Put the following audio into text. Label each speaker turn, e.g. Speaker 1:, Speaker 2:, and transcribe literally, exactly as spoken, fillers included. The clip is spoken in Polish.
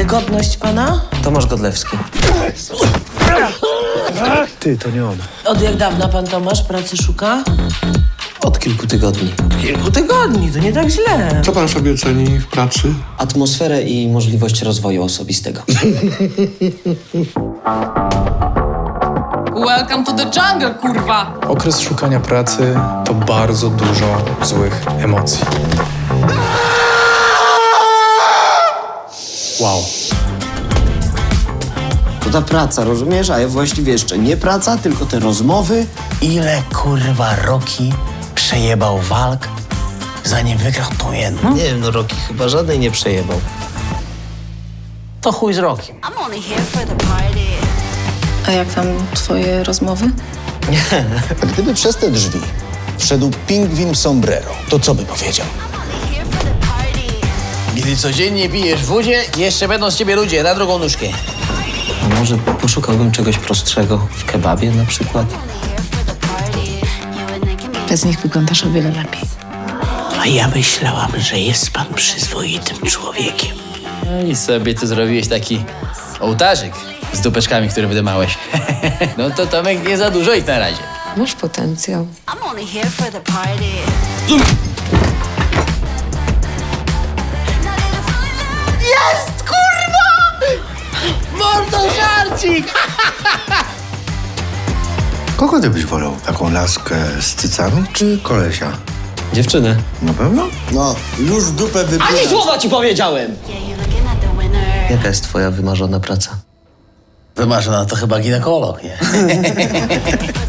Speaker 1: Y, godność pana?
Speaker 2: Tomasz Godlewski.
Speaker 3: Ty, to nie on.
Speaker 1: Od jak dawna pan Tomasz pracy szuka?
Speaker 2: Od kilku tygodni.
Speaker 1: Kilku tygodni, to nie tak źle.
Speaker 4: Co pan sobie ceni w pracy?
Speaker 2: Atmosferę i możliwość rozwoju osobistego.
Speaker 5: Welcome to the jungle, kurwa!
Speaker 3: Okres szukania pracy to bardzo dużo złych emocji. Wow.
Speaker 2: To ta praca, rozumiesz? A ja właściwie jeszcze nie praca, tylko te rozmowy.
Speaker 6: Ile kurwa Rocky przejebał walk, zanim wygrał tą jedną?
Speaker 2: Nie wiem, no Rocky chyba żadnej nie przejebał.
Speaker 6: To chuj z Rockiem.
Speaker 7: I'm only here for the party.
Speaker 8: A jak tam twoje rozmowy?
Speaker 9: A gdyby przez te drzwi wszedł pingwin w sombrero, to co by powiedział?
Speaker 7: Only here for the party.
Speaker 6: Gdy codziennie pijesz w wodzie, jeszcze będą z ciebie ludzie na drugą nóżkę.
Speaker 2: A może poszukałbym czegoś prostszego w kebabie na przykład?
Speaker 7: Only here for the party. You and I can make
Speaker 8: Bez nich wyglądasz o wiele lepiej.
Speaker 6: A ja myślałam, że jest pan przyzwoitym człowiekiem. No i sobie tu zrobiłeś taki ołtarzyk z dupeczkami, które wydymałeś. No to Tomek nie za dużo i na razie.
Speaker 8: Masz potencjał.
Speaker 7: I'm only here for the party.
Speaker 6: Jest, kurwa! Mordo żarcik!
Speaker 4: Kogo ty byś wolał? Taką laskę z cycami czy kolesia?
Speaker 2: Dziewczynę.
Speaker 4: Na pewno?
Speaker 9: No, już dupę
Speaker 2: Ani
Speaker 9: wypinasz.
Speaker 2: słowa ci powiedziałem!
Speaker 7: Yeah, you're looking at the winner.
Speaker 2: Jaka jest twoja wymarzona praca?
Speaker 6: Wymarzona to chyba ginekolog, nie?